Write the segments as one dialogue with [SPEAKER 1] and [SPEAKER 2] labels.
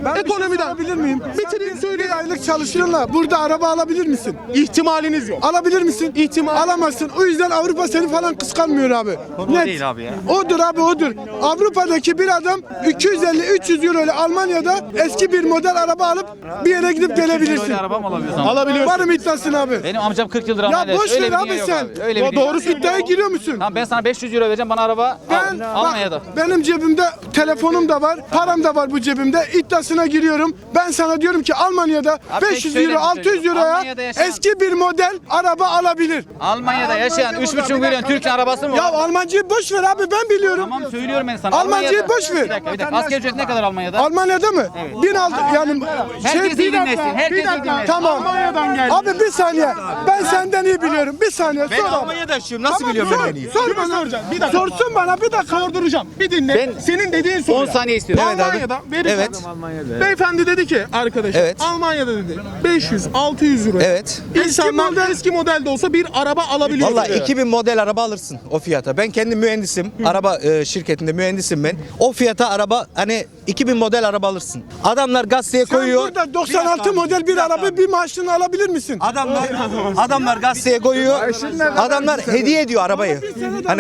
[SPEAKER 1] Ekonomiden
[SPEAKER 2] alabilir miyim?
[SPEAKER 1] bitireyim söyleyeyim.
[SPEAKER 2] Bir aylık çalışıyorlar. Burada araba alabilir misin?
[SPEAKER 1] İhtimaliniz yok.
[SPEAKER 2] Alabilir misin?
[SPEAKER 1] İhtimal.
[SPEAKER 2] Alamazsın. O yüzden Avrupa seni falan kıskanmıyor abi.
[SPEAKER 3] O değil abi ya.
[SPEAKER 2] Odur abi odur. Avrupa'daki bir adam 250-300 euro ile Almanya'da eski bir model araba alıp bir yere gidip gelebilirsin.
[SPEAKER 3] Böyle araba mı alabiliyorsun?
[SPEAKER 1] Alabiliyorsun.
[SPEAKER 2] Var mı iddiasın abi?
[SPEAKER 3] Benim amcam 40 yıldır
[SPEAKER 2] Ya
[SPEAKER 3] Almanya'da.
[SPEAKER 2] boş
[SPEAKER 3] Öyle
[SPEAKER 2] ver
[SPEAKER 3] bir dünya
[SPEAKER 2] abi
[SPEAKER 3] yok
[SPEAKER 2] sen.
[SPEAKER 3] abi. Öyle bir dünya
[SPEAKER 2] Doğru
[SPEAKER 3] yok.
[SPEAKER 2] iddiaya giriyor musun?
[SPEAKER 3] Tamam ben sana 500 euro vereceğim bana araba
[SPEAKER 2] Ben
[SPEAKER 3] Almanya'da.
[SPEAKER 2] bak, benim cebimde telefonum da var, param da var bu cebimde. İddiasına giriyorum. Ben sana diyorum ki Almanya'da
[SPEAKER 3] Abi
[SPEAKER 2] 500
[SPEAKER 3] şöyle
[SPEAKER 2] euro,
[SPEAKER 3] bir şey
[SPEAKER 2] 600 euroya
[SPEAKER 3] Almanya'da yaşayan-
[SPEAKER 2] eski bir model araba alabilir.
[SPEAKER 3] Almanya'da yaşayan 3,5 milyon Türk'ün arabası mı
[SPEAKER 2] Ya
[SPEAKER 3] var?
[SPEAKER 2] Almancıyı boş ver abi ben biliyorum.
[SPEAKER 3] Tamam söylüyorum ben sana.
[SPEAKER 2] Almancayı
[SPEAKER 3] Almanya'da-
[SPEAKER 2] boş ver.
[SPEAKER 3] Bir dakika. Asgari ücret ne kadar Almanya'da?
[SPEAKER 2] Almanya'da mı? 1006 yani
[SPEAKER 3] Herkes iyi dinlesin. Herkes iyi dinlesin.
[SPEAKER 2] Tamam. Abi bir saniye. Ben senden iyi biliyorum. Bir saniye.
[SPEAKER 4] Ben
[SPEAKER 2] Sor abi.
[SPEAKER 4] Almanya'da yaşıyorum. Nasıl
[SPEAKER 2] Tamam,
[SPEAKER 4] biliyorum
[SPEAKER 2] sor,
[SPEAKER 4] ben en iyi?
[SPEAKER 2] Sor bana.
[SPEAKER 1] Bir dakika.
[SPEAKER 2] Sorsun bana bir dakika.
[SPEAKER 1] Sorduracağım. Bir dinle.
[SPEAKER 3] Ben-
[SPEAKER 1] Senin dediğin soru.
[SPEAKER 3] 10 saniye istiyorum.
[SPEAKER 1] Almanya'da verin.
[SPEAKER 4] Evet.
[SPEAKER 1] Beyefendi dedi ki arkadaşım
[SPEAKER 4] Evet.
[SPEAKER 1] Almanya'da dedi 500-600 euro.
[SPEAKER 4] Evet.
[SPEAKER 1] İnsanlar eski modelde olsa bir araba alabiliyor.
[SPEAKER 4] Valla
[SPEAKER 1] dedi.
[SPEAKER 4] 2000 model araba alırsın o fiyata. Ben kendim mühendisim. Araba şirketinde mühendisim ben. O fiyata araba hani 2000 model araba alırsın. Adamlar gazeteye
[SPEAKER 2] Sen
[SPEAKER 4] koyuyor.
[SPEAKER 2] burada 96 model bir araba bir maaşını alabilir misin?
[SPEAKER 4] Adamlar gazeteye koyuyor. Adamlar hediye ediyor arabayı. Hani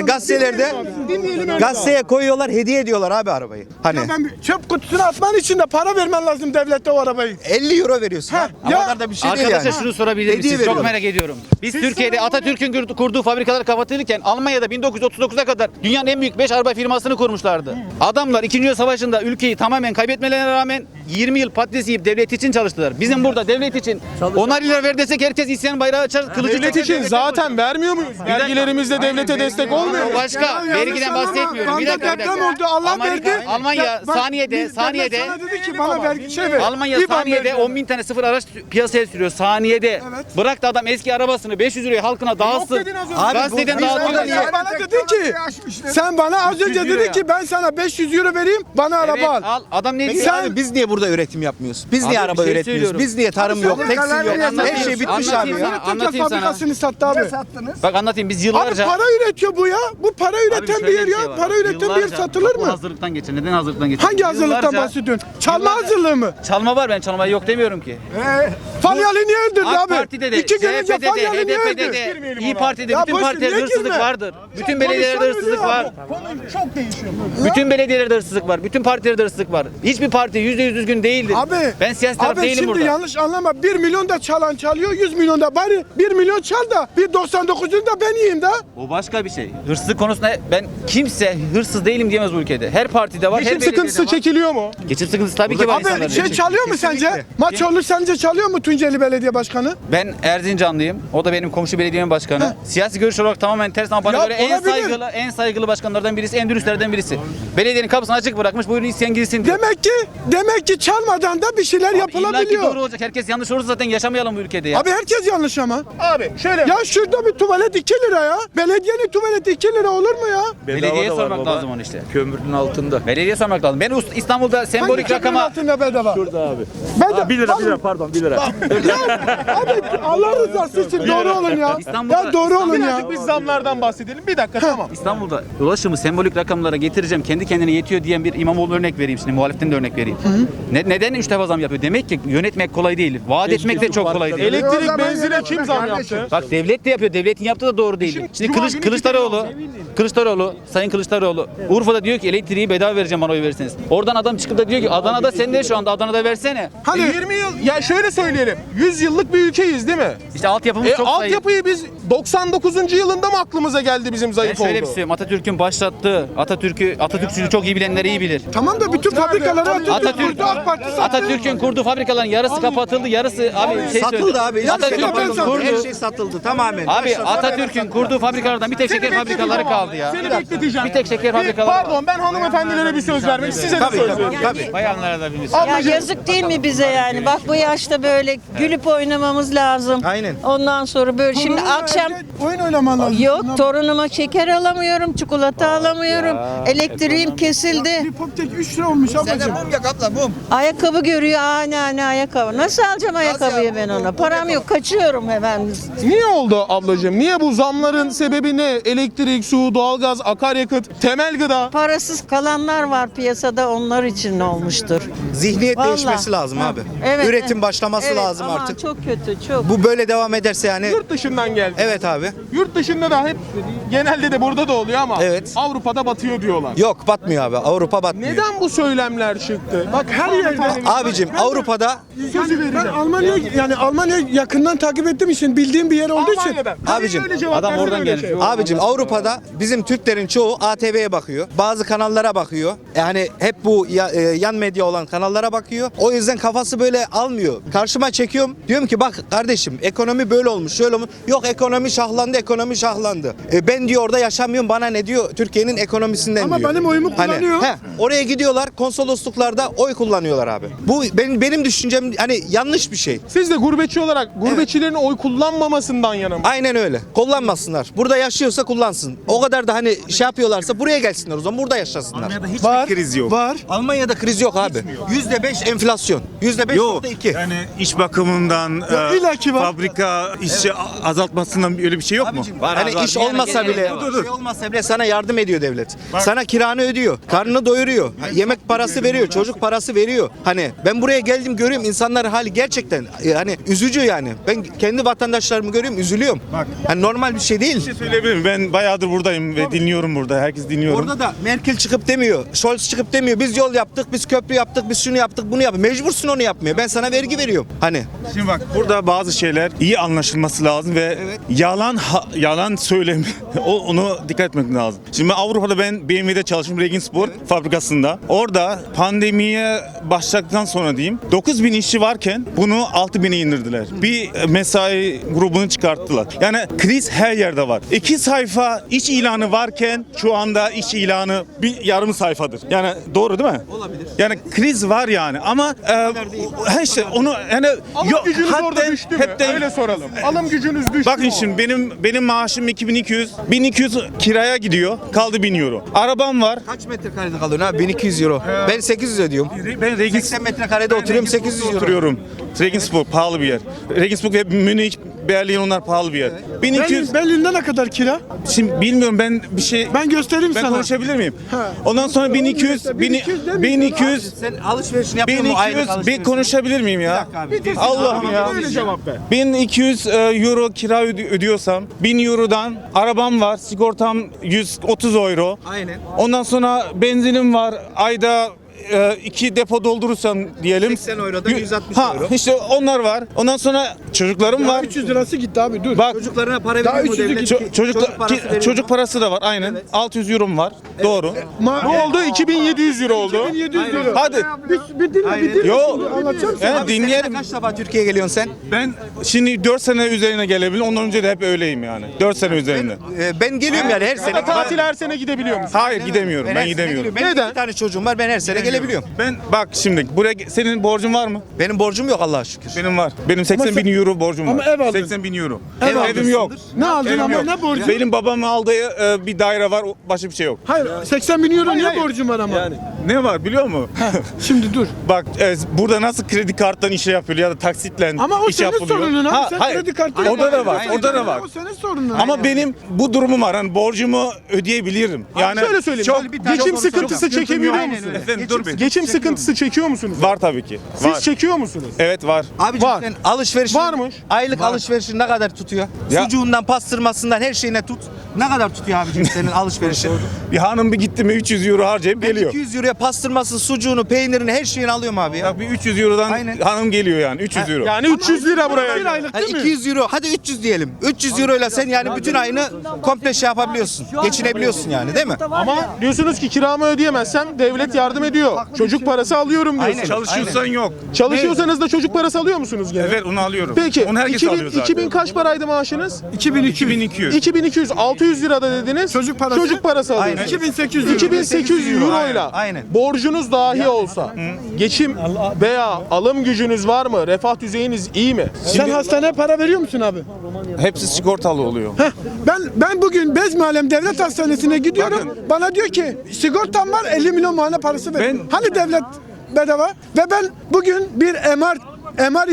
[SPEAKER 4] gazeteye koyuyorlar, hediye ediyorlar abi arabayı. Hani
[SPEAKER 2] Ben çöp kutusuna atman için de para vermen lazım devlete o arabayı.
[SPEAKER 4] 50 euro veriyorsun.
[SPEAKER 2] Ha,
[SPEAKER 4] O
[SPEAKER 2] ya-
[SPEAKER 4] kadar da bir şey değil
[SPEAKER 3] Arkadaşlar
[SPEAKER 4] yani.
[SPEAKER 3] şunu sorabilir
[SPEAKER 4] Hediye
[SPEAKER 3] misiniz? Çok
[SPEAKER 4] veriyorlar.
[SPEAKER 3] merak ediyorum. Biz Türkiye'de Atatürk'ün kurduğu fabrikalar kapatılırken Almanya'da 1939'a kadar dünyanın en büyük 5 araba firmasını kurmuşlardı. Adamlar 2. Dünya Savaşı'nda ülkeyi tamamen kaybetmelerine rağmen 20 yıl patates yiyip devlet için çalıştılar. Bizim burada devlet için 10'ar lira ver desek herkes isyan bayrağı açar. Kılıcı
[SPEAKER 1] Devlet için zaten vermiyor muyuz? Vergilerimizle devlete destek olmuyor.
[SPEAKER 3] O başka. Vergiden bahsetmiyorum. Bir dakika.
[SPEAKER 2] Deprem oldu Allah verdi.
[SPEAKER 3] Almanya
[SPEAKER 2] Bak,
[SPEAKER 3] saniyede
[SPEAKER 2] devlet sana dedi ki bana vergi şey ver.
[SPEAKER 3] Almanya
[SPEAKER 2] İBAN
[SPEAKER 3] saniyede
[SPEAKER 2] ver.
[SPEAKER 3] 10.000 tane sıfır araç piyasaya sürüyor. Saniyede.
[SPEAKER 2] Evet.
[SPEAKER 3] Bıraktı adam eski arabasını 500 liraya halkına dağıtsın.
[SPEAKER 1] dedin az önce.
[SPEAKER 4] Abi,
[SPEAKER 3] Gazeteden
[SPEAKER 4] bu-
[SPEAKER 3] dağıtıyor.
[SPEAKER 2] Sen bana dedin ki sen bana az önce
[SPEAKER 3] 300 euro
[SPEAKER 2] dedin
[SPEAKER 3] ya.
[SPEAKER 2] ki ben sana 500 euro vereyim bana
[SPEAKER 3] Evet,
[SPEAKER 2] araba al.
[SPEAKER 3] al. Adam ne
[SPEAKER 4] Peki
[SPEAKER 3] diyor?
[SPEAKER 4] abi biz niye burada üretim yapmıyoruz? Biz niye
[SPEAKER 3] Abi
[SPEAKER 4] araba
[SPEAKER 3] bir şey
[SPEAKER 4] üretmiyoruz?
[SPEAKER 3] söylüyorum.
[SPEAKER 4] Biz niye tarım yok,
[SPEAKER 2] sen
[SPEAKER 4] tekstil yok?
[SPEAKER 2] anlatayım,
[SPEAKER 4] Her şey bitmiş abi
[SPEAKER 3] anlatayım
[SPEAKER 4] ya.
[SPEAKER 3] sana.
[SPEAKER 2] Tekel
[SPEAKER 3] Anlatayım sana.
[SPEAKER 2] fabrikasını sattı abi.
[SPEAKER 3] Bak anlatayım biz
[SPEAKER 2] Abi
[SPEAKER 3] yıllarca...
[SPEAKER 2] para üretiyor bu ya. Bu para
[SPEAKER 3] Abi
[SPEAKER 2] üreten
[SPEAKER 3] şöyle
[SPEAKER 2] bir yer
[SPEAKER 3] şey
[SPEAKER 2] ya.
[SPEAKER 3] var.
[SPEAKER 2] Para üreten bir yer
[SPEAKER 3] Yıllarca
[SPEAKER 2] satılır
[SPEAKER 3] bu
[SPEAKER 2] mı?
[SPEAKER 3] hazırlıktan geçiyor. Neden hazırlıktan geçiyor?
[SPEAKER 2] Hangi hazırlıktan
[SPEAKER 3] Yıllarca-
[SPEAKER 2] bahsediyorsun? Çalma
[SPEAKER 3] Yıllarca-
[SPEAKER 2] hazırlığı mı?
[SPEAKER 3] Çalma var ben çalmayı yok demiyorum ki.
[SPEAKER 2] Falyalı niye öldürdü
[SPEAKER 3] AK
[SPEAKER 2] abi?
[SPEAKER 3] Parti'de de,
[SPEAKER 2] 2 gün önce
[SPEAKER 3] CHP'de de,
[SPEAKER 2] Falyalı niye
[SPEAKER 3] HDP'de
[SPEAKER 2] öldürdü?
[SPEAKER 3] de, İYİ Parti'de
[SPEAKER 2] Ya
[SPEAKER 3] bütün
[SPEAKER 2] boş ver,
[SPEAKER 3] partilerde
[SPEAKER 2] niye
[SPEAKER 3] hırsızlık
[SPEAKER 2] girme?
[SPEAKER 3] vardır. Bütün belediyelerde
[SPEAKER 2] konuşalım
[SPEAKER 3] hırsızlık
[SPEAKER 2] ya.
[SPEAKER 3] var.
[SPEAKER 1] Çok değişiyor.
[SPEAKER 3] Bütün belediyelerde hırsızlık var. Bütün partilerde hırsızlık var. Hiçbir parti %100 düzgün değildir.
[SPEAKER 2] Abi,
[SPEAKER 3] Ben siyasi taraf
[SPEAKER 2] abi
[SPEAKER 3] değilim
[SPEAKER 2] şimdi
[SPEAKER 3] burada.
[SPEAKER 2] yanlış anlama. 1 milyon da çalan çalıyor, 100 milyon da bari 1 milyon çal da bir 99'unu da ben yiyeyim da.
[SPEAKER 3] O başka bir şey. Hırsızlık konusunda ben kimse hırsız değilim diyemez bu ülkede. Her partide var, her
[SPEAKER 1] Geçim
[SPEAKER 3] belediyede
[SPEAKER 1] sıkıntısı
[SPEAKER 3] var.
[SPEAKER 1] çekiyor mu?
[SPEAKER 3] Geçim sıkıntısı tabii ki var
[SPEAKER 2] Abi
[SPEAKER 3] insanların.
[SPEAKER 2] şey çalıyor mu sence?
[SPEAKER 4] Kesinlikle.
[SPEAKER 2] Maç olur sence çalıyor mu Tunceli Belediye Başkanı?
[SPEAKER 3] Ben Erzincanlıyım. O da benim komşu belediyemin başkanı. Siyasi görüş olarak tamamen ters ama bana
[SPEAKER 2] Ya
[SPEAKER 3] göre en
[SPEAKER 2] olabilir.
[SPEAKER 3] saygılı başkanlardan birisi, en dürüstlerden birisi. Belediyenin kapısını açık bırakmış. Buyurun isyan girsin diyor.
[SPEAKER 2] Demek ki çalmadan da bir şeyler
[SPEAKER 3] İlla ki
[SPEAKER 2] yapılabiliyor.
[SPEAKER 3] doğru olacak. Herkes yanlış olursa zaten yaşamayalım bu ülkede ya.
[SPEAKER 2] Abi herkes yanlış ama.
[SPEAKER 1] Abi şöyle.
[SPEAKER 2] Ya şurada bir tuvalet 2 lira ya. Belediyenin tuvaleti 2 lira olur mu ya?
[SPEAKER 3] Belediyeye sormak lazım onu işte.
[SPEAKER 5] Kömürün altında.
[SPEAKER 3] Belediye sormak lazım. Ben İstanbul'da sembolik
[SPEAKER 2] Hangi köprünün
[SPEAKER 3] rakama
[SPEAKER 2] altında bedava?
[SPEAKER 5] Şurada abi.
[SPEAKER 2] Bedava.
[SPEAKER 5] 1 lira pardon 1 lira.
[SPEAKER 2] Ya abi Allah rızası için doğru olun ya.
[SPEAKER 3] İstanbul'da-
[SPEAKER 2] Ya doğru olun ya.
[SPEAKER 1] Birazcık biz zamlardan bahsedelim. Bir dakika tamam.
[SPEAKER 3] İstanbul'da ulaşımı sembolik rakamlara getireceğim. Kendi kendine yetiyor diyen bir İmamoğlu örnek vereyim şimdi. Muhalefetten de örnek vereyim. Neden 3 defa zam yapıyor? Demek ki yönetmek kolay değil. Vaat etmek de çok kolay değil.
[SPEAKER 1] Elektrik, benzine kim zam yaptı?
[SPEAKER 3] Bak devlet de yapıyor. Devletin yaptığı da doğru değil. Şimdi
[SPEAKER 1] Cuma günü
[SPEAKER 3] Kılıçdaroğlu, Sayın Kılıçdaroğlu Urfa'da diyor ki elektriği bedava vereceğim bana oy verirseniz. Oradan adam çıkıp da diyor ki Adana'da sen de şu anda Adana'da versene.
[SPEAKER 2] Hani
[SPEAKER 1] 20 yıl ya şöyle söyleyelim. 100 yıllık bir ülkeyiz değil mi?
[SPEAKER 3] İşte altyapımız çok zayıf.
[SPEAKER 1] Altyapıyı biz 99. yılında mı aklımıza geldi bizim
[SPEAKER 3] Ben
[SPEAKER 1] zayıf
[SPEAKER 3] şöyle bir
[SPEAKER 1] oldu?
[SPEAKER 3] şey söyleyeyim. Atatürk'ün başlattığı, Atatürkçülüğü çok iyi bilenler iyi bilir.
[SPEAKER 2] tamam da bütün fabrikaları
[SPEAKER 3] Atatürk,
[SPEAKER 2] kurdu, AK Parti sattı.
[SPEAKER 3] Atatürk'ün kurduğu fabrikaların yarısı kapatıldı, yarısı abi şey
[SPEAKER 4] Satıldı
[SPEAKER 3] söyleyeyim.
[SPEAKER 4] abi. Hiçbir şey
[SPEAKER 3] Atatürk'ün
[SPEAKER 4] yapmadı.
[SPEAKER 3] kurduğu,
[SPEAKER 4] Her şey satıldı tamamen.
[SPEAKER 3] abi Atatürk'ün kurduğu fabrikalardan bir tek şeker fabrikaları kaldı ya.
[SPEAKER 1] Seni bekleteceğim.
[SPEAKER 3] Bir tek şeker fabrikaları var.
[SPEAKER 1] Pardon ben hanımefendilere bir söz vermek size de söz veriyorum.
[SPEAKER 4] Tabii.
[SPEAKER 3] Bayanlara da bir
[SPEAKER 6] Ya yazık değil mi bize yani? Bak bu yaşta böyle gülüp oynamamız lazım.
[SPEAKER 4] Aynen.
[SPEAKER 6] Ondan sonra böyle şimdi akşam
[SPEAKER 2] oyun oynaman lazım.
[SPEAKER 6] yok torunuma şeker alamıyorum, çikolata alamıyorum. Elektriğim kesildi.
[SPEAKER 2] Bir poptek 3 lira olmuş ablacığım.
[SPEAKER 4] yak abla mum.
[SPEAKER 6] Ayakkabı görüyor. Ne ayakkabı. Nasıl alacağım ayakkabıyı ben ona? Param yok. Kaçıyorum hemen.
[SPEAKER 1] Niye oldu ablacığım? Niye bu zamların sebebi ne? Elektrik, su, doğalgaz, akaryakıt, temel gıda.
[SPEAKER 6] Parasız kalanlar var piyasada, onlar için olmuştur.
[SPEAKER 4] Zihniyet
[SPEAKER 6] Vallahi.
[SPEAKER 4] değişmesi lazım
[SPEAKER 6] Ha,
[SPEAKER 4] abi.
[SPEAKER 6] evet,
[SPEAKER 4] Üretim
[SPEAKER 6] evet.
[SPEAKER 4] başlaması
[SPEAKER 6] Evet,
[SPEAKER 4] lazım
[SPEAKER 6] ama
[SPEAKER 4] artık.
[SPEAKER 6] çok kötü, çok.
[SPEAKER 4] Bu böyle devam ederse yani
[SPEAKER 1] Yurt dışından geldi.
[SPEAKER 4] evet abi.
[SPEAKER 1] Yurt dışında da hep genelde de burada da oluyor ama
[SPEAKER 4] Evet.
[SPEAKER 1] Avrupa'da batıyor diyorlar.
[SPEAKER 4] Yok batmıyor abi. Avrupa batmıyor.
[SPEAKER 1] Neden bu söylemler çıktı?
[SPEAKER 2] Bak her yerde.
[SPEAKER 4] Abicim Avrupa'da
[SPEAKER 2] Ben Almanya yakından takip ettiğim için bildiğim bir yer olduğu için.
[SPEAKER 1] Almanya'da.
[SPEAKER 4] Abicim,
[SPEAKER 1] Öyle cevap
[SPEAKER 3] adam
[SPEAKER 1] versen
[SPEAKER 3] oradan
[SPEAKER 1] öyle
[SPEAKER 3] gelmiş.
[SPEAKER 1] şey.
[SPEAKER 4] Abicim Avrupa'da bizim Türklerin çoğu ATV'ye bakıyor. Bazı kanallara bakıyor. Yani hep bu yan medya olan kanallara bakıyor. O yüzden kafası böyle almıyor. Karşıma çekiyorum. Diyorum ki bak kardeşim ekonomi böyle olmuş şöyle olmuş. Yok ekonomi şahlandı ekonomi şahlandı. Ben diyor orada yaşamıyorum bana ne diyor Türkiye'nin ekonomisinden
[SPEAKER 2] Ama
[SPEAKER 4] diyor.
[SPEAKER 2] benim oyumu kullanıyor.
[SPEAKER 4] Oraya gidiyorlar konsolosluklarda oy kullanıyorlar abi. Bu benim düşüncem hani yanlış bir şey.
[SPEAKER 1] Siz de gurbetçi olarak gurbetçilerin oy kullanmamasından yana mı?
[SPEAKER 4] Aynen öyle. Kullanmasınlar. Burada yaşıyorsa kullansın. O kadar da hani şey yapıyorlarsa buraya gelsinler o zaman burada yaşasınlar.
[SPEAKER 2] Var.
[SPEAKER 7] kriz yok.
[SPEAKER 2] Var.
[SPEAKER 4] Almanya'da kriz yok abi. %5 enflasyon. %5.2.
[SPEAKER 7] Yani iş bakımından,
[SPEAKER 2] illaki var.
[SPEAKER 7] fabrika işçi azaltmasından öyle bir şey yok mu?
[SPEAKER 4] Hani iş olmasa bile, şey olmasa bile sana yardım ediyor devlet. Sana kiranı ödüyor, karnını doyuruyor, yemek parası veriyor, çocuk parası veriyor. Hani ben buraya geldim görüyorum insanların hali gerçekten hani üzücü yani. Ben kendi vatandaşlarımı görüyorum üzülüyorum. Hani normal bir şey değil.
[SPEAKER 7] Bir şey söyleyebilir miyim? Ben bayağıdır buradayım ve dinliyorum burada. Herkes dinliyorum.
[SPEAKER 4] Orada da Merkel çıkıp demiyor, Scholz çıkıp demiyor. Biz yol yaptık, biz köprü yaptık, biz şunu yaptık, bunu yaptık. Mecbursun onu yapmaya. Ben sana vergi veriyorum. Hani
[SPEAKER 7] Şimdi bak burada bazı şeyler iyi anlaşılması lazım ve yalan söylem onu dikkat etmek lazım. Şimdi Avrupa'da ben BMW'de çalıştım Regensburg fabrikasında. Orada pandemiye başladıktan sonra diyeyim 9.000 işçi varken bunu 6.000'e indirdiler. Bir mesai grubunu çıkarttılar. Yani kriz her yerde var. 2 sayfa iş ilanı varken şu anda iş ilanı bir yarım sayfadır. Yani doğru değil mi? Olabilir. Yani kriz var yani ama işte onu yani
[SPEAKER 1] Alım gücünüz orada düştü mü?
[SPEAKER 7] hepten
[SPEAKER 1] Öyle soralım. Alım gücünüz düştü
[SPEAKER 7] Bakın
[SPEAKER 1] mü?
[SPEAKER 7] şimdi benim maaşım 1200 kiraya gidiyor. Kaldı 1000 euro. Arabam var.
[SPEAKER 4] kaç metrekarede kalıyorsun abi? 1200 euro. Ben 800 ödüyorum.
[SPEAKER 7] Ben
[SPEAKER 4] 80 metrekarede oturuyorum 800 euro.
[SPEAKER 7] oturuyorum. Regensburg pahalı bir yer. Regensburg ve Münih, Berlin onlar pahalı bir yer. 1200
[SPEAKER 2] Berlin'de ne kadar kira?
[SPEAKER 7] şimdi bilmiyorum ben bir şey
[SPEAKER 2] Ben göstereyim
[SPEAKER 7] ben
[SPEAKER 2] sana.
[SPEAKER 7] konuşabilir miyim? Ondan sonra 1200
[SPEAKER 4] Sen alışverişini yapıyor musun? Aylık
[SPEAKER 7] 1200 bir
[SPEAKER 4] alışverişini?
[SPEAKER 7] konuşabilir miyim ya? Allah'ım ya.
[SPEAKER 1] Öyle cevap ver.
[SPEAKER 7] 1200 euro kira ödüyorsam 1000 eurodan arabam var sigortam 130 euro.
[SPEAKER 4] Aynen.
[SPEAKER 7] Ondan sonra benzinim var ayda 2 depo doldurursam diyelim.
[SPEAKER 4] 80 eurodan 160
[SPEAKER 7] ha,
[SPEAKER 4] euro.
[SPEAKER 7] işte onlar var. Ondan sonra çocuklarım var.
[SPEAKER 2] 300 lirası gitti abi dur.
[SPEAKER 7] Bak
[SPEAKER 4] Çocuklarına para
[SPEAKER 2] Daha
[SPEAKER 4] veriyor mu
[SPEAKER 2] 300'lü
[SPEAKER 4] devlet?
[SPEAKER 2] gitti.
[SPEAKER 7] çocuk parası da var aynen. 600 euro var. Doğru.
[SPEAKER 1] Ne oldu? 2700 euro oldu.
[SPEAKER 2] 700 lira.
[SPEAKER 7] Hadi.
[SPEAKER 2] Bir dinle.
[SPEAKER 7] Yo.
[SPEAKER 2] Anlatacağım sana.
[SPEAKER 7] Evet, dinleyelim.
[SPEAKER 4] Kaç defa Türkiye'ye geliyorsun sen?
[SPEAKER 7] Ben şimdi 4 sene üzerine gelebilir. Ondan önce de hep öyleyim yani. 4 sene üzerinde.
[SPEAKER 4] Ben geliyorum yani her sene.
[SPEAKER 1] Tatil her sene gidebiliyor musun?
[SPEAKER 7] Hayır gidemiyorum. Ben
[SPEAKER 4] her sene
[SPEAKER 7] gidemiyorum.
[SPEAKER 4] geliyorum. Benim 2 tane çocuğum var. Ben her sene gelebiliyorum.
[SPEAKER 7] Ben bak şimdi buraya senin borcun var mı?
[SPEAKER 4] Benim borcum yok Allah'a şükür.
[SPEAKER 7] Benim var. Benim 80 bin euro borcum var.
[SPEAKER 2] Ama ev aldın.
[SPEAKER 7] 80 bin euro.
[SPEAKER 2] Ev
[SPEAKER 7] Evim yok.
[SPEAKER 2] Ne aldın
[SPEAKER 7] Evim
[SPEAKER 2] ama
[SPEAKER 7] yok.
[SPEAKER 2] ne borcu?
[SPEAKER 7] Benim babamın aldığı bir daire var. Başka bir şey yok.
[SPEAKER 2] Hayır 80 bin euro niye
[SPEAKER 7] hayır.
[SPEAKER 2] borcum var ama?
[SPEAKER 7] Ne var biliyor musun?
[SPEAKER 2] Şimdi dur.
[SPEAKER 7] Bak burada nasıl kredi karttan işe yapıyor ya da taksitle
[SPEAKER 2] Ama o
[SPEAKER 7] iş
[SPEAKER 2] senin
[SPEAKER 7] yapılıyor.
[SPEAKER 2] sorunun abi.
[SPEAKER 7] Ha,
[SPEAKER 2] Sen
[SPEAKER 7] hayır.
[SPEAKER 2] kredi kartı
[SPEAKER 7] Orada da var. Orada da var.
[SPEAKER 2] O senin sorunun.
[SPEAKER 7] Ama benim bu durumum var. Hani borcumu ödeyebilirim. Yani
[SPEAKER 1] Şöyle söyleyeyim. Geçim sıkıntısı çekebiliyor musunuz?
[SPEAKER 7] Efendim dur bir.
[SPEAKER 1] Geçim sıkıntısı çekiyor musunuz?
[SPEAKER 7] Var tabii ki.
[SPEAKER 1] Siz
[SPEAKER 7] Var.
[SPEAKER 1] çekiyor musunuz?
[SPEAKER 7] Evet var.
[SPEAKER 4] Abicim
[SPEAKER 1] Var.
[SPEAKER 4] sen alışverişin
[SPEAKER 1] Varmış.
[SPEAKER 4] aylık alışverişin ne kadar tutuyor?
[SPEAKER 7] Ya-
[SPEAKER 4] Sucuğundan, pastırmasından her şeyine tut. Ne kadar tutuyor abicim senin alışverişin?
[SPEAKER 7] Bir hanım bir gitti mi 300 euro harcayıp
[SPEAKER 4] Ben
[SPEAKER 7] geliyor.
[SPEAKER 4] 200 euroya pastırması, sucuğunu, peynirini, her şeyini alıyorum abi ya.
[SPEAKER 7] Bak bir 300 eurodan
[SPEAKER 4] Aynen.
[SPEAKER 7] hanım geliyor yani 300 euro.
[SPEAKER 1] Yani 300 lira buraya.
[SPEAKER 2] Bir aylık
[SPEAKER 4] Hadi
[SPEAKER 2] değil mi?
[SPEAKER 4] 200 euro, hadi 300 diyelim. 300 euroyla sen yani bütün ayını komple şey yapabiliyorsun. Geçinebiliyorsun yani değil mi?
[SPEAKER 1] Ama diyorsunuz ki kiramı ödeyemezsem devlet yardım ediyor. Çocuk parası alıyorum diyorsunuz.
[SPEAKER 7] Çalışıyorsan yok.
[SPEAKER 1] Çalışıyorsanız da çocuk parası alıyor musunuz gene?
[SPEAKER 7] Evet onu alıyorum.
[SPEAKER 1] Peki
[SPEAKER 7] Onu herkes
[SPEAKER 1] 2000,
[SPEAKER 7] alıyor zaten.
[SPEAKER 1] 2000 kaç paraydı maaşınız?
[SPEAKER 7] 2200.
[SPEAKER 1] 2200, 600 lirada dediniz.
[SPEAKER 2] Çocuk parası?
[SPEAKER 1] Çocuk parası alıyorsunuz.
[SPEAKER 4] Aynen.
[SPEAKER 2] 2800 euro.
[SPEAKER 1] 2800 euro ile
[SPEAKER 4] Aynen.
[SPEAKER 1] borcunuz dahi olsa geçim veya alım gücünüz var mı? Refah düzeyiniz iyi mi?
[SPEAKER 2] Sen hastaneye para veriyor musun abi?
[SPEAKER 7] Hepsi sigortalı oluyor.
[SPEAKER 2] Heh, ben bugün Bezmialem Devlet Hastanesi'ne gidiyorum. Bana diyor ki sigortam var 50 milyon muayene parası ver.
[SPEAKER 7] Ben-
[SPEAKER 2] Hani devlet bedava ve ben bugün bir MR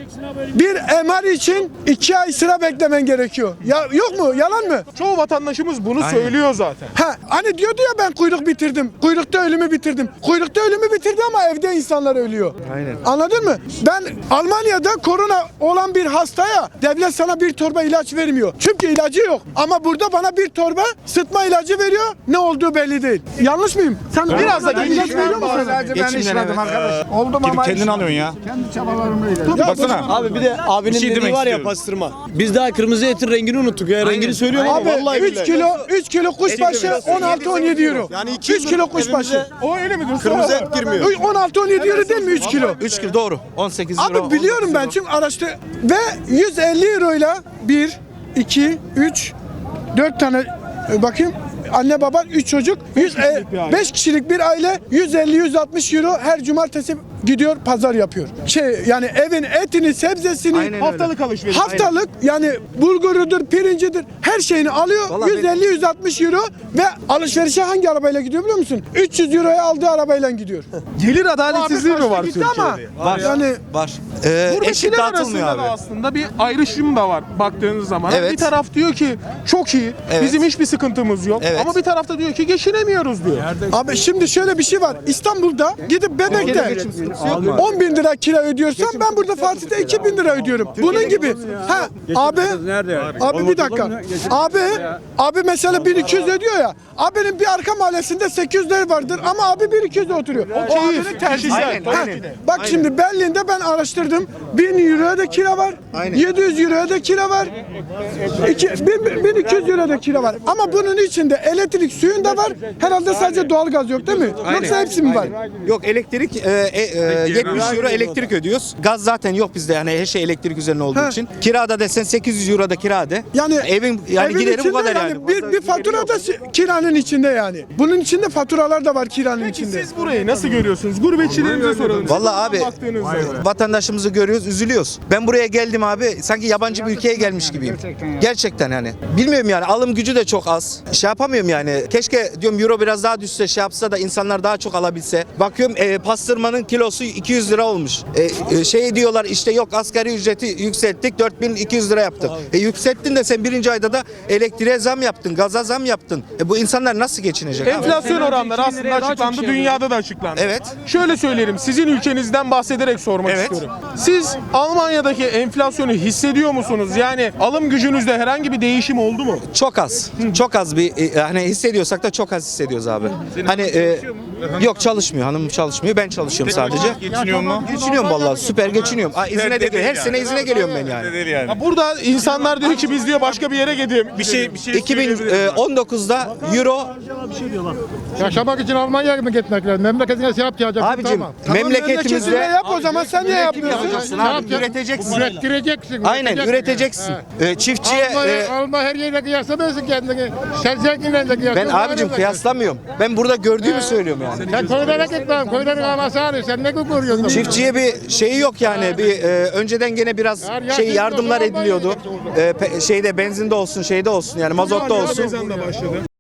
[SPEAKER 2] için 2 ay sıra beklemen gerekiyor. Ya yok mu? Yalan mı?
[SPEAKER 1] Çoğu vatandaşımız bunu söylüyor zaten.
[SPEAKER 2] Ha, hani diyordu ya ben kuyruk bitirdim. Kuyrukta ölümü bitirdim. Kuyrukta ölümü bitirdi ama evde insanlar ölüyor.
[SPEAKER 4] Aynen.
[SPEAKER 2] Anladın mı? Ben Almanya'da korona olan bir hastaya devlet sana bir torba ilaç vermiyor. Çünkü ilacı yok. Ama burada bana bir torba sıtma ilacı veriyor. Ne olduğu belli değil. Yanlış mıyım? Sen
[SPEAKER 1] Biraz da
[SPEAKER 2] ilaç
[SPEAKER 1] geçmişten
[SPEAKER 2] veriyor mu sana?
[SPEAKER 4] Geçimden evet.
[SPEAKER 8] Oldum ama
[SPEAKER 7] Kendin alıyorsun ya.
[SPEAKER 8] kendi çabalarımla.
[SPEAKER 7] Baksana.
[SPEAKER 9] Abi bir de abinin
[SPEAKER 7] şey
[SPEAKER 9] dediği
[SPEAKER 7] demek
[SPEAKER 9] var ya
[SPEAKER 7] istiyorum.
[SPEAKER 9] pastırma. Biz daha kırmızı etin rengini unuttuk ya. Rengini söylüyorum ama
[SPEAKER 2] Abi
[SPEAKER 9] vallahi
[SPEAKER 2] 3 kilo kuşbaşı 16-17 euro.
[SPEAKER 9] Yani
[SPEAKER 2] 3 kilo kuşbaşı.
[SPEAKER 1] O öyle midir?
[SPEAKER 9] kırmızı et girmiyor.
[SPEAKER 2] 16-17 euro değil mi 3 kilo?
[SPEAKER 4] 3 kilo doğru. 18 euro.
[SPEAKER 2] Abi biliyorum ben çünkü araştır ve 150 euroyla 1, 2, 3, 4 tane bakayım anne baba 3 çocuk 5 kişilik bir aile 150-160 euro her cumartesi gidiyor pazar yapıyor. Yani evin etini sebzesini
[SPEAKER 4] Aynen öyle.
[SPEAKER 1] Haftalık alışveriş.
[SPEAKER 2] haftalık yani bulgurudur pirincidir her şeyini alıyor
[SPEAKER 4] Vallahi
[SPEAKER 2] 150-160 euro ve alışverişe hangi arabayla gidiyor biliyor musun? 300 euroya aldığı arabayla gidiyor.
[SPEAKER 1] Gelir adaletsizliği mi var
[SPEAKER 2] Gitti
[SPEAKER 1] Türkiye'de?
[SPEAKER 2] ama
[SPEAKER 4] Var.
[SPEAKER 2] yani
[SPEAKER 4] Var. Eşit
[SPEAKER 1] Gurbetçiler
[SPEAKER 4] dağıtılmıyor
[SPEAKER 1] arasında
[SPEAKER 4] abi.
[SPEAKER 1] da aslında bir ayrışım da var baktığınız zaman.
[SPEAKER 4] Evet.
[SPEAKER 1] Bir taraf diyor ki çok iyi,
[SPEAKER 4] Evet.
[SPEAKER 1] bizim hiçbir sıkıntımız yok.
[SPEAKER 4] Evet.
[SPEAKER 1] Ama bir tarafta diyor ki geçinemiyoruz diyor.
[SPEAKER 2] abi şimdi şöyle bir şey var. İstanbul'da gidip Bebek'te 10 bin lira kira ödüyorsam ben burada Fatih'te 2 bin lira ödüyorum. Bunun gibi. Ha abi bir dakika. Abi mesela 1200 ödüyor ya. Abinin bir arka mahallesinde 800 lira vardır ama abi 1200'de oturuyor. O abinin tercihi.
[SPEAKER 4] Aynen,
[SPEAKER 2] Ha,
[SPEAKER 4] aynen.
[SPEAKER 2] bak şimdi Berlin'de ben araştırdım. 1000 euroya da kira var.
[SPEAKER 4] Aynen.
[SPEAKER 2] 700 euroya da kira var. 1200 euroya da kira var. Ama bunun içinde elektrik suyun da var. Herhalde sadece doğalgaz yok değil mi? Yoksa hepsi mi var?
[SPEAKER 4] Yok elektrik 70 euro elektrik ödüyoruz. Gaz zaten yok bizde yani her şey elektrik üzerine olduğu
[SPEAKER 2] Ha.
[SPEAKER 4] için. Kirada desen 800 euro da kirada.
[SPEAKER 2] Yani
[SPEAKER 4] evin
[SPEAKER 2] evin
[SPEAKER 4] gideri bu
[SPEAKER 2] içinde
[SPEAKER 4] kadar yani.
[SPEAKER 2] Bir fatura da kiranın içinde yani. Bunun içinde faturalar da var kiranın
[SPEAKER 1] Peki
[SPEAKER 2] içinde.
[SPEAKER 1] siz burayı nasıl görüyorsunuz? Gurbetçilerimize soralım.
[SPEAKER 4] Vallahi abi
[SPEAKER 1] Baktığınız zaman.
[SPEAKER 4] vatandaşımızı görüyoruz, üzülüyoruz. Ben buraya geldim abi sanki yabancı bir ülkeye gelmiş gibiyim. Gerçekten yani. Bilmiyorum yani alım gücü de çok az. Şey yapamıyorum yani. Keşke diyorum euro biraz daha düşse şey yapsa da insanlar daha çok alabilse. Bakıyorum pastırmanın kilosu 200 lira olmuş. Şey diyorlar işte yok asgari ücreti yükselttik 4200 lira yaptık. Yükselttin de sen birinci ayda da elektriğe zam yaptın, gaza zam yaptın. Bu insanlar nasıl geçinecek abi?
[SPEAKER 1] Enflasyon oranları aslında açıklandı, dünyada da açıklandı.
[SPEAKER 4] Evet.
[SPEAKER 1] Şöyle söyleyelim, sizin ülkenizden bahsederek sormak
[SPEAKER 4] Evet.
[SPEAKER 1] istiyorum. Siz Almanya'daki enflasyonu hissediyor musunuz? Yani alım gücünüzde herhangi bir değişim oldu mu?
[SPEAKER 4] Çok az. Çok az bir hani hissediyorsak da çok az hissediyoruz abi. Hani yok çalışmıyor. Hanım çalışmıyor. Ben çalışıyorum sadece.
[SPEAKER 7] Geçiniyor mu?
[SPEAKER 4] Geçiniyorum vallahi. Süper geçiniyorum. İzine de geliyorum. Her sene izine geliyorum ben yani.
[SPEAKER 7] Değil yani.
[SPEAKER 1] Ya burada insanlar diyor ki biz diyor başka bir yere gidelim.
[SPEAKER 7] Bir şey
[SPEAKER 4] 2019'da euro
[SPEAKER 8] Yaşamak için Almanya'ya mı gitmek lazım? Memleketine şey yapacaksın.
[SPEAKER 4] abicim
[SPEAKER 2] Memleketinde
[SPEAKER 4] memleketimizde
[SPEAKER 2] yap o zaman sen niye yapmıyorsun?
[SPEAKER 4] yapacaksın abi. Üreteceksin.
[SPEAKER 8] Ürettireceksin.
[SPEAKER 4] Aynen üreteceksin. Çiftçiye
[SPEAKER 8] Alma her yere kıyaslamıyorsun kendini. Sen zenginle de kıyaslıyorsun.
[SPEAKER 4] ben abicim kıyaslamıyorum. Ben burada gördüğümü söylüyorum yani.
[SPEAKER 8] Sen köylere git lan. Köylerin havası ağrıyor. Sen ne kuruyorsun?
[SPEAKER 4] Çiftçiye bir şeyi yok yani. Bir önceden gene biraz yardımlar ediliyordu. Şeyde benzinde olsun, şeyde olsun yani mazotta olsun.
[SPEAKER 1] Başladı.